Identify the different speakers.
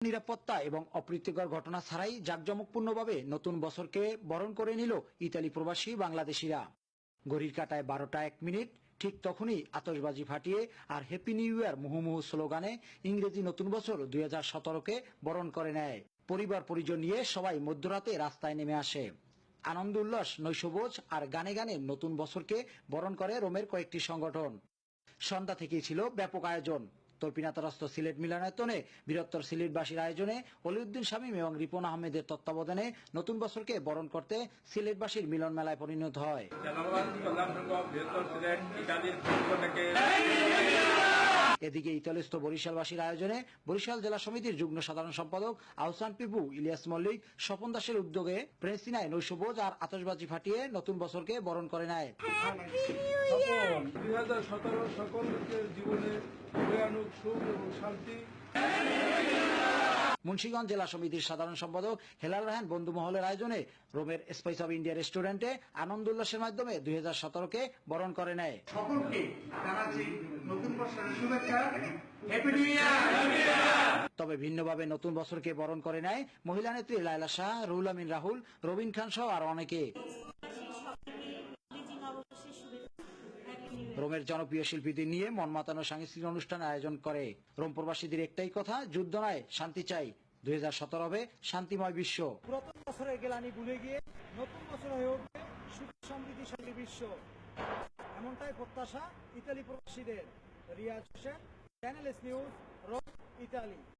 Speaker 1: নিরাপত্তা এবং অপ্রীতিকর ঘটনা ছাড়াই জাঁকজমকপূর্ণভাবে নতুন বছরকে বরণ করে নিল ইতালি প্রবাসী বাংলাদেশিরা। ঘড়ির কাঁটায় 12টা 1 মিনিট, ঠিক তখনই আতশবাজি ফাটিয়ে আর হ্যাপি নিউ ইয়ার মুহুমুহু স্লোগানে ইংরেজি নতুন বছর 2017কে বরণ করে নেয়। পরিবার পরিজন নিয়ে সবাই মধ্যরাতে রাস্তায় নেমে আসে। আনন্দ উল্লাস, নৈশভোজ আর গানে গানে নতুন বছরকে বরণ করে রোমের কয়েকটি সংগঠন। সন্ধ্যা থেকেই ছিল ব্যাপক আয়োজন। তর্পিনাতরস্থ সিলেট মিলনায়তনে বৃহত্তর সিলেটবাসীর আয়োজনে অলিউদ্দিন শামীম এবং রিপন আহমেদের তত্ত্বাবধানে নতুন বছরকে বরণ করতে সিলেটবাসীর মিলন মেলায় পরিণত হয়। এদিকে ইতালিস্থ বরিশালবাসীর আয়োজনে বরিশাল জেলা সমিতির যুগ্ম সাধারণ সম্পাদক আহসান পিপু, ইলিয়াস মল্লিক, স্বপন দাসের উদ্যোগে প্রেসিনায় নৈশভোজ আর আতশবাজি ফাটিয়ে নতুন বছরকে বরণ করে নেয়।
Speaker 2: 2017 সকলের জীবনে আনুক সুখ এবং শান্তি।
Speaker 1: মুন্সিগঞ্জ জেলা সমিতির সাধারণ সম্পাদক হেলাল রায়হান বন্ধু মহলের আয়োজনে রোমের স্পাইস অব ইন্ডিয়া রেস্টুরেন্টে আনন্দ উল্লাসের মাধ্যমে 2017কে বরণ করে নেয়।
Speaker 3: সকলকে জানাচ্ছি নতুন বছরের শুভেচ্ছা, হ্যাপি নিউ ইয়ার।
Speaker 1: তবে ভিন্নভাবে নতুন বছরকে বরণ করে নেয় মহিলা নেত্রী লায়লা শাহ, রুহুল আমিন রাহুল, রবিন খান সহ আর অনেকে। রোমের জনপ্রিয় শিল্পীদের নিয়ে মন মাতানো সাংস্কৃতিক অনুষ্ঠানের আয়োজন করে। রোম প্রবাসীদের একটাই কথা, যুদ্ধ নয়, শান্তি চাই। 2017 হবে শান্তিময় বিশ্ব।
Speaker 4: পুরাতন বছরের গেলানি ভুলে গিয়ে নতুন বছর হয়ে উঠবে সুখ সমৃদ্ধিশালী বিশ্ব, এমনটাই প্রত্যাশা ইতালি প্রবাসীদের। Riaz Hossain, channel S news, Rome, Italy.